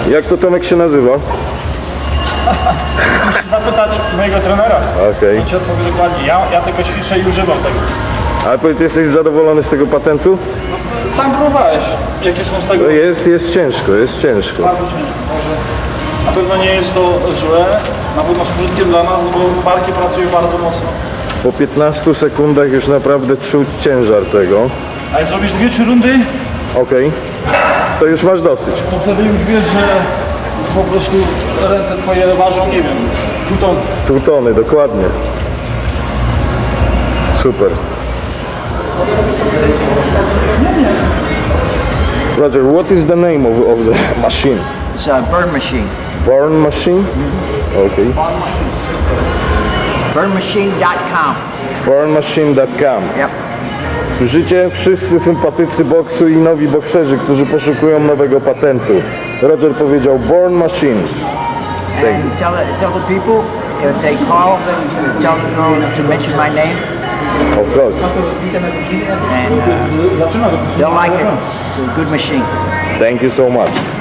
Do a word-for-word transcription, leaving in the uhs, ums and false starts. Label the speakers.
Speaker 1: Jak to Tomek się nazywa?
Speaker 2: Zapytać mojego trenera.
Speaker 1: Okej.
Speaker 2: On ci odpowie dokładnie. Ja, ja tylko ćwiczę i używam tego.
Speaker 1: Ale powiedz, jesteś zadowolony z tego patentu?
Speaker 2: Sam próbowałeś, jakie są z tego
Speaker 1: No jest, jest ciężko, jest ciężko.
Speaker 2: bardzo ciężko. Także na pewno nie jest to złe. Na pewno z pożytkiem dla nas, no bo barki pracują bardzo mocno.
Speaker 1: Po piętnastu sekundach już naprawdę czuć ciężar tego.
Speaker 2: A jak zrobisz dwie, trzy rundy,
Speaker 1: Okej. To już masz dosyć.
Speaker 2: to wtedy już wiesz, że po prostu ręce twoje ważą, nie wiem, półton.
Speaker 1: Pół tony, dokładnie. Super. Roger, what is the name of, of the machine?
Speaker 3: It's a burn machine.
Speaker 1: Burn machine? Okay.
Speaker 3: burn machine dot com.
Speaker 1: burn machine dot com.
Speaker 3: Yep.
Speaker 1: Słyszycie? Wszyscy sympatycy boksu i nowi bokserzy, którzy poszukują nowego patentu. Roger powiedział Born Machine.
Speaker 3: And tell the, tell the people if they call, tell them to mention my name,
Speaker 1: Of course.
Speaker 3: and uh, they'll like it. It's a good machine.
Speaker 1: Thank you so much.